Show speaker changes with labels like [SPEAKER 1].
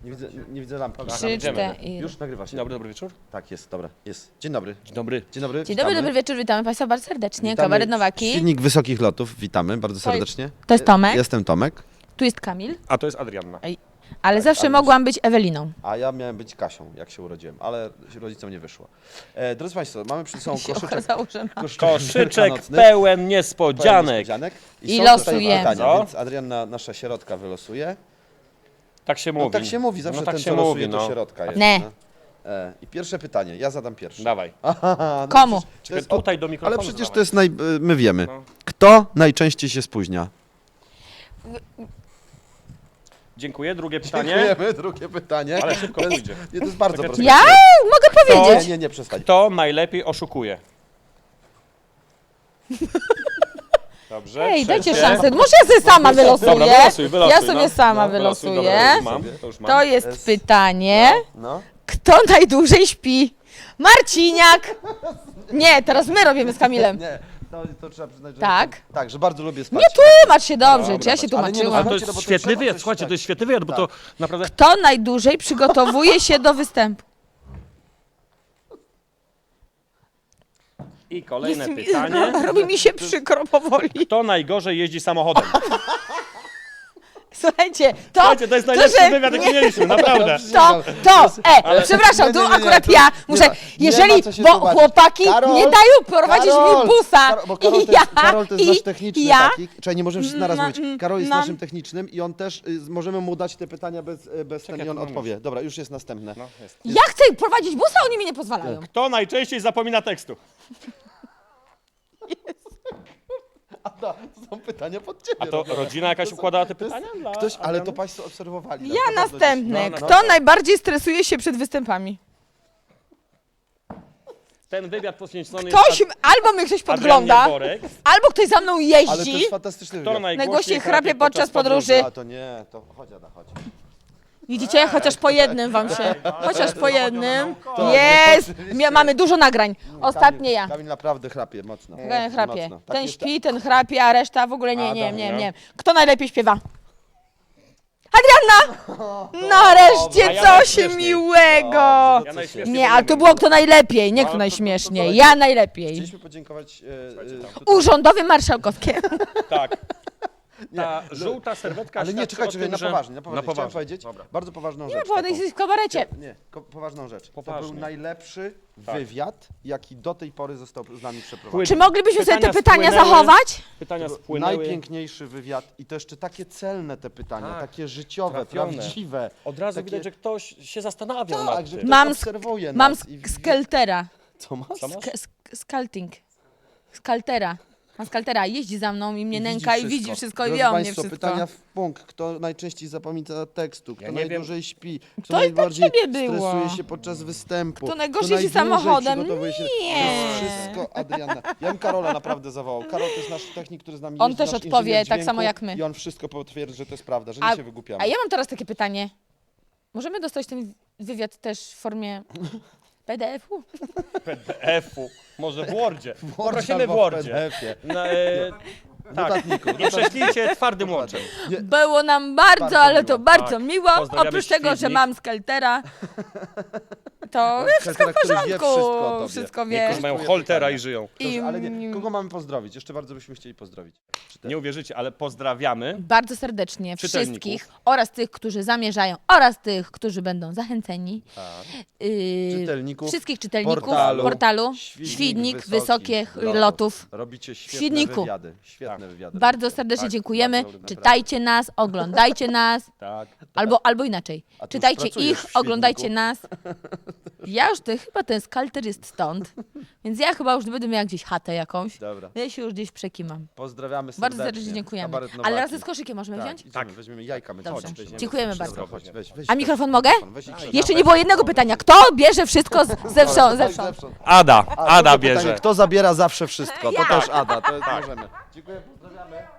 [SPEAKER 1] Nie widzę lampki.
[SPEAKER 2] Trzy, cztery.
[SPEAKER 1] Już nagrywa się.
[SPEAKER 3] Dobry wieczór.
[SPEAKER 1] Tak, jest, dobra, jest. Dzień dobry.
[SPEAKER 3] Dzień dobry.
[SPEAKER 1] Dzień dobry.
[SPEAKER 2] Dzień dobry, dobry wieczór, witamy Państwa bardzo serdecznie.
[SPEAKER 1] Witamy.
[SPEAKER 2] Kabaret Nowaki.
[SPEAKER 1] Silnik wysokich lotów, witamy bardzo serdecznie.
[SPEAKER 2] To jest Tomek.
[SPEAKER 1] Jestem Tomek,
[SPEAKER 2] Tu jest Kamil,
[SPEAKER 3] A to jest Adrianna.
[SPEAKER 2] ale zawsze mogłam być Eweliną.
[SPEAKER 1] a ja miałem być Kasią, jak się urodziłem, ale rodzicom nie wyszło. Drodzy Państwo, mamy przed sobą
[SPEAKER 2] Się
[SPEAKER 1] koszyczek.
[SPEAKER 2] okazało, że ma.
[SPEAKER 3] Koszyczek
[SPEAKER 1] wielkanocny,
[SPEAKER 3] pełen
[SPEAKER 1] pełen
[SPEAKER 3] niespodzianek.
[SPEAKER 1] niespodzianek.
[SPEAKER 2] I
[SPEAKER 1] są
[SPEAKER 2] losujemy.
[SPEAKER 1] tutaj pytania,
[SPEAKER 3] Co?
[SPEAKER 1] więc Adrianna, nasza sierotka, wylosuje.
[SPEAKER 3] Tak się
[SPEAKER 1] No
[SPEAKER 3] mówi.
[SPEAKER 1] tak się mówi, zawsze
[SPEAKER 3] tak
[SPEAKER 1] ten,
[SPEAKER 3] się
[SPEAKER 1] co losuje,
[SPEAKER 3] mówi,
[SPEAKER 1] to sierotka jest.
[SPEAKER 2] Nie.
[SPEAKER 1] No. I pierwsze pytanie, ja zadam pierwsze.
[SPEAKER 3] Dawaj.
[SPEAKER 1] Aha, no
[SPEAKER 2] Komu?
[SPEAKER 1] przecież to
[SPEAKER 3] Czekaj,
[SPEAKER 1] jest
[SPEAKER 3] tutaj do mikrofonu
[SPEAKER 1] Ale przecież
[SPEAKER 3] dawaj.
[SPEAKER 1] to jest my wiemy.
[SPEAKER 3] No.
[SPEAKER 1] Kto najczęściej się spóźnia?
[SPEAKER 3] Dziękuję. Drugie pytanie.
[SPEAKER 1] Dziękujemy, drugie pytanie.
[SPEAKER 3] Ale szybko pójdzie.
[SPEAKER 1] Nie, to jest bardzo
[SPEAKER 3] Czekaj,
[SPEAKER 1] proste.
[SPEAKER 2] Ja mogę powiedzieć.
[SPEAKER 1] Nie, przestań.
[SPEAKER 3] Kto najlepiej oszukuje? Dobrze.
[SPEAKER 2] Ej, dajcie
[SPEAKER 3] trzecie.
[SPEAKER 2] szansę. Może ja sobie sama wylosuję.
[SPEAKER 3] Dobra, wylosuj,
[SPEAKER 2] Ja sobie
[SPEAKER 3] no.
[SPEAKER 2] sama
[SPEAKER 3] No, wylosuj,
[SPEAKER 2] wylosuję.
[SPEAKER 3] dobra, to już mam.
[SPEAKER 2] To jest pytanie.
[SPEAKER 1] No.
[SPEAKER 2] Kto najdłużej śpi? Marciniak! Nie, teraz my robimy z Kamilem.
[SPEAKER 1] Nie, to trzeba przyznać, że...
[SPEAKER 2] Tak.
[SPEAKER 1] Tak, że bardzo lubię spać.
[SPEAKER 2] Nie tłumacz się dobrze,
[SPEAKER 3] Dobra,
[SPEAKER 2] czy ja się
[SPEAKER 1] ale nie, no,
[SPEAKER 2] tłumaczyłam.
[SPEAKER 3] Ale to
[SPEAKER 1] Słuchajcie,
[SPEAKER 3] jest
[SPEAKER 1] bo to
[SPEAKER 3] świetny
[SPEAKER 1] trzeba
[SPEAKER 3] wywiad,
[SPEAKER 1] coś
[SPEAKER 3] słuchajcie,
[SPEAKER 1] tak.
[SPEAKER 3] to jest świetny wywiad, bo to
[SPEAKER 1] Tak.
[SPEAKER 3] naprawdę...
[SPEAKER 2] Kto najdłużej przygotowuje się do występu?
[SPEAKER 3] I kolejne pytanie.
[SPEAKER 2] Robi mi się przykro powoli.
[SPEAKER 3] Kto najgorzej jeździ samochodem?
[SPEAKER 2] Słuchajcie, to...
[SPEAKER 3] Słuchajcie, to jest najlepszy
[SPEAKER 2] że-
[SPEAKER 3] wywiad, jaki mieliśmy, naprawdę.
[SPEAKER 2] Przepraszam,
[SPEAKER 1] Nie,
[SPEAKER 2] tu
[SPEAKER 1] nie, nie,
[SPEAKER 2] akurat
[SPEAKER 1] to-
[SPEAKER 2] ja
[SPEAKER 1] nie
[SPEAKER 2] muszę,
[SPEAKER 1] ma
[SPEAKER 2] jeżeli,
[SPEAKER 1] co się
[SPEAKER 2] bo
[SPEAKER 1] tłumaczyć.
[SPEAKER 2] chłopaki
[SPEAKER 1] Karol,
[SPEAKER 2] nie dają prowadzić mi busa.
[SPEAKER 1] Bo Karol,
[SPEAKER 2] I
[SPEAKER 1] to jest, Karol to jest nasz techniczny
[SPEAKER 2] ja,
[SPEAKER 1] taki. Czekaj, nie możemy wszyscy naraz mówić. Karol jest
[SPEAKER 2] mam-
[SPEAKER 1] naszym technicznym i on też, możemy mu dać te pytania bez ten i on
[SPEAKER 3] to mam
[SPEAKER 1] odpowie. Dobra, już jest następne.
[SPEAKER 3] No, jest.
[SPEAKER 2] ja chcę prowadzić busa, oni mi nie pozwalają.
[SPEAKER 3] Kto najczęściej zapomina tekstu?
[SPEAKER 1] To są pytania pod ciebie.
[SPEAKER 3] A to
[SPEAKER 1] robione.
[SPEAKER 3] rodzina jakaś układała te
[SPEAKER 1] To jest-
[SPEAKER 3] pytania? Dla
[SPEAKER 1] Ktoś, ale to
[SPEAKER 3] Adriany?
[SPEAKER 1] Państwo obserwowali.
[SPEAKER 2] Ja
[SPEAKER 1] naprawdę
[SPEAKER 2] następny.
[SPEAKER 3] No,
[SPEAKER 2] Kto najbardziej stresuje się przed występami?
[SPEAKER 3] Ten wywiad poświęcony
[SPEAKER 2] Ktoś,
[SPEAKER 3] jest
[SPEAKER 2] albo mnie ktoś
[SPEAKER 3] Adrianie
[SPEAKER 2] podgląda,
[SPEAKER 3] Borek.
[SPEAKER 2] albo ktoś za mną
[SPEAKER 1] Ale to
[SPEAKER 2] jeździ.
[SPEAKER 1] jest fantastyczny
[SPEAKER 3] Kto
[SPEAKER 1] wywiad.
[SPEAKER 2] Najgłośniej chrapie podczas podróży.
[SPEAKER 1] A to nie, to chodź, Ada, chodź.
[SPEAKER 2] Widzicie? Chociaż po jednym wam się. Chociaż po jednym.
[SPEAKER 1] To,
[SPEAKER 2] Jest!
[SPEAKER 1] oczywiście.
[SPEAKER 2] Mamy dużo nagrań. Ostatnie ja.
[SPEAKER 1] Kamil naprawdę chrapie mocno.
[SPEAKER 2] Ten chrapie.
[SPEAKER 1] Mocno. Tak
[SPEAKER 2] Ten
[SPEAKER 1] jest-
[SPEAKER 2] śpi, ten chrapie, a reszta w ogóle nie,
[SPEAKER 1] Adam,
[SPEAKER 2] nie. Kto najlepiej śpiewa? Adrianna!
[SPEAKER 3] A
[SPEAKER 2] Nareszcie
[SPEAKER 3] ja
[SPEAKER 2] coś
[SPEAKER 3] najśmieszniej.
[SPEAKER 2] miłego!
[SPEAKER 1] Dobrze,
[SPEAKER 3] Ja
[SPEAKER 1] no
[SPEAKER 3] najśmieszniej
[SPEAKER 2] Nie, ale to było kto najlepiej, nie kto najśmieszniej. Ja najlepiej.
[SPEAKER 1] Chcieliśmy podziękować tutaj-
[SPEAKER 2] Urzędowie marszałkowskie.
[SPEAKER 3] Tak. Ta żółta serwetka
[SPEAKER 1] Ale nie,
[SPEAKER 3] świadczy
[SPEAKER 1] czekaj,
[SPEAKER 3] o tym,
[SPEAKER 1] na
[SPEAKER 3] że...
[SPEAKER 1] poważnie, na poważnie. Chciałem
[SPEAKER 3] poważnie.
[SPEAKER 1] powiedzieć
[SPEAKER 3] Dobra.
[SPEAKER 1] bardzo poważną
[SPEAKER 2] Nie
[SPEAKER 1] rzecz.
[SPEAKER 2] było,
[SPEAKER 1] taką.
[SPEAKER 2] jesteś w kabarecie.
[SPEAKER 1] Nie, poważną rzecz. To
[SPEAKER 3] Poważnie.
[SPEAKER 1] był najlepszy
[SPEAKER 3] Tak.
[SPEAKER 1] wywiad, jaki do tej pory został z nami przeprowadzony.
[SPEAKER 3] Płyn-
[SPEAKER 2] Czy moglibyśmy sobie te
[SPEAKER 3] Pytania
[SPEAKER 2] pytania
[SPEAKER 3] spłynęły.
[SPEAKER 2] zachować?
[SPEAKER 3] Pytania
[SPEAKER 1] To był
[SPEAKER 3] spłynęły.
[SPEAKER 1] najpiękniejszy wywiad i to jeszcze takie celne te pytania,
[SPEAKER 3] Tak.
[SPEAKER 1] takie życiowe,
[SPEAKER 3] Trafione.
[SPEAKER 1] prawdziwe.
[SPEAKER 3] Od razu
[SPEAKER 1] takie-
[SPEAKER 3] widać, że ktoś się zastanawiał
[SPEAKER 1] Tak,
[SPEAKER 3] nad
[SPEAKER 1] że
[SPEAKER 3] tym.
[SPEAKER 1] ktoś
[SPEAKER 2] Mam
[SPEAKER 1] obserwuje
[SPEAKER 2] Mam
[SPEAKER 1] nas i-
[SPEAKER 2] skeltera.
[SPEAKER 1] Co masz?
[SPEAKER 3] Co masz?
[SPEAKER 2] Skalting. Skaltera. Mam skaltera. Jeździ za mną i mnie
[SPEAKER 1] Widzi
[SPEAKER 2] nęka i widzi wszystko i
[SPEAKER 1] Drodzy
[SPEAKER 2] wie o mnie
[SPEAKER 1] Państwo,
[SPEAKER 2] wszystko.
[SPEAKER 1] pytania w punkt. Kto najczęściej zapomina tekstu? Kto
[SPEAKER 3] Ja nie wiem.
[SPEAKER 1] najdłużej śpi? Kto
[SPEAKER 2] To i do
[SPEAKER 1] najbardziej
[SPEAKER 2] ciebie było.
[SPEAKER 1] stresuje się podczas występu?
[SPEAKER 2] Kto najgorzej
[SPEAKER 1] Kto
[SPEAKER 2] jeździ
[SPEAKER 1] najdłużej
[SPEAKER 2] samochodem?
[SPEAKER 1] przygotowuje się?
[SPEAKER 2] Nie.
[SPEAKER 1] To jest wszystko Adrianna. Ja bym Karola naprawdę zawołał. Karol to jest nasz technik, który z nami
[SPEAKER 2] On
[SPEAKER 1] jeździ,
[SPEAKER 2] też
[SPEAKER 1] nasz
[SPEAKER 2] odpowie
[SPEAKER 1] inżynier
[SPEAKER 2] tak
[SPEAKER 1] dźwięku
[SPEAKER 2] samo jak my.
[SPEAKER 1] I on wszystko potwierdzi, że to jest prawda, że
[SPEAKER 2] A-
[SPEAKER 1] nie się wygłupiamy.
[SPEAKER 2] A ja mam teraz takie pytanie. Możemy dostać ten wywiad też w formie PDF-u?
[SPEAKER 3] PDF-u. Może w Wordzie.
[SPEAKER 1] Word
[SPEAKER 3] Poprosimy w
[SPEAKER 1] albo w
[SPEAKER 3] Wordzie.
[SPEAKER 1] PDF-ie.
[SPEAKER 3] Tak.
[SPEAKER 1] Notatniku.
[SPEAKER 3] Nie prześlijcie twardym łączem.
[SPEAKER 2] Było nam bardzo,
[SPEAKER 1] Bardzo
[SPEAKER 2] ale
[SPEAKER 1] miło.
[SPEAKER 2] to bardzo
[SPEAKER 3] Tak.
[SPEAKER 2] miło.
[SPEAKER 3] Pozdrawiamy
[SPEAKER 2] Oprócz tego, że
[SPEAKER 3] Świdnik.
[SPEAKER 2] mam skeltera, to wszystko w
[SPEAKER 1] Skeltera, który wie
[SPEAKER 2] porządku.
[SPEAKER 1] wszystko o tobie.
[SPEAKER 2] Wszystko wie.
[SPEAKER 3] Niektórzy mają holtera i żyją.
[SPEAKER 2] I
[SPEAKER 1] Dobrze, ale nie. Kogo mamy pozdrowić? Jeszcze bardzo byśmy chcieli pozdrowić.
[SPEAKER 3] Nie uwierzycie, ale pozdrawiamy.
[SPEAKER 2] bardzo serdecznie
[SPEAKER 3] Czytelników.
[SPEAKER 2] wszystkich oraz tych, którzy zamierzają, oraz tych, którzy będą zachęceni.
[SPEAKER 1] Czytelników
[SPEAKER 2] Wszystkich czytelników
[SPEAKER 1] portalu
[SPEAKER 2] Świdnik Wysokich Lotów.
[SPEAKER 1] Robicie świetne
[SPEAKER 2] Świdniku.
[SPEAKER 1] wywiady. Świetne
[SPEAKER 3] Tak.
[SPEAKER 1] wywiady.
[SPEAKER 2] Bardzo
[SPEAKER 1] robicie.
[SPEAKER 2] serdecznie
[SPEAKER 1] Tak,
[SPEAKER 2] dziękujemy.
[SPEAKER 1] bardzo lubię,
[SPEAKER 2] Czytajcie nas, oglądajcie nas.
[SPEAKER 3] Tak.
[SPEAKER 2] Albo inaczej.
[SPEAKER 1] A ty już
[SPEAKER 2] Czytajcie
[SPEAKER 1] pracujesz
[SPEAKER 2] ich,
[SPEAKER 1] w Świdniku.
[SPEAKER 2] oglądajcie nas. Ja już chyba ten skalter jest stąd, więc ja chyba już nie będę miała gdzieś chatę jakąś.
[SPEAKER 1] Dobra.
[SPEAKER 2] Ja się już gdzieś przekimam.
[SPEAKER 1] Pozdrawiamy serdecznie.
[SPEAKER 2] Bardzo serdecznie dziękujemy.
[SPEAKER 1] Kabaret
[SPEAKER 2] Ale
[SPEAKER 1] Nowaki.
[SPEAKER 2] razem z koszykiem możemy
[SPEAKER 1] Tak,
[SPEAKER 2] wziąć?
[SPEAKER 1] idziemy,
[SPEAKER 3] Tak.
[SPEAKER 1] weźmiemy jajka. My
[SPEAKER 2] Dobrze.
[SPEAKER 1] chodź, weźmiemy.
[SPEAKER 2] Dziękujemy
[SPEAKER 1] Dobra,
[SPEAKER 2] bardzo.
[SPEAKER 1] Chodź, weź
[SPEAKER 2] A mikrofon mogę?
[SPEAKER 1] Weź i krzyż.
[SPEAKER 2] Jeszcze nie było jednego pytania. Kto bierze wszystko zewsząd?
[SPEAKER 3] Ada
[SPEAKER 1] A, drugie
[SPEAKER 3] bierze.
[SPEAKER 1] pytanie, kto zabiera zawsze wszystko?
[SPEAKER 2] Ja.
[SPEAKER 1] To też Ada, to możemy. Dziękuję, pozdrawiamy.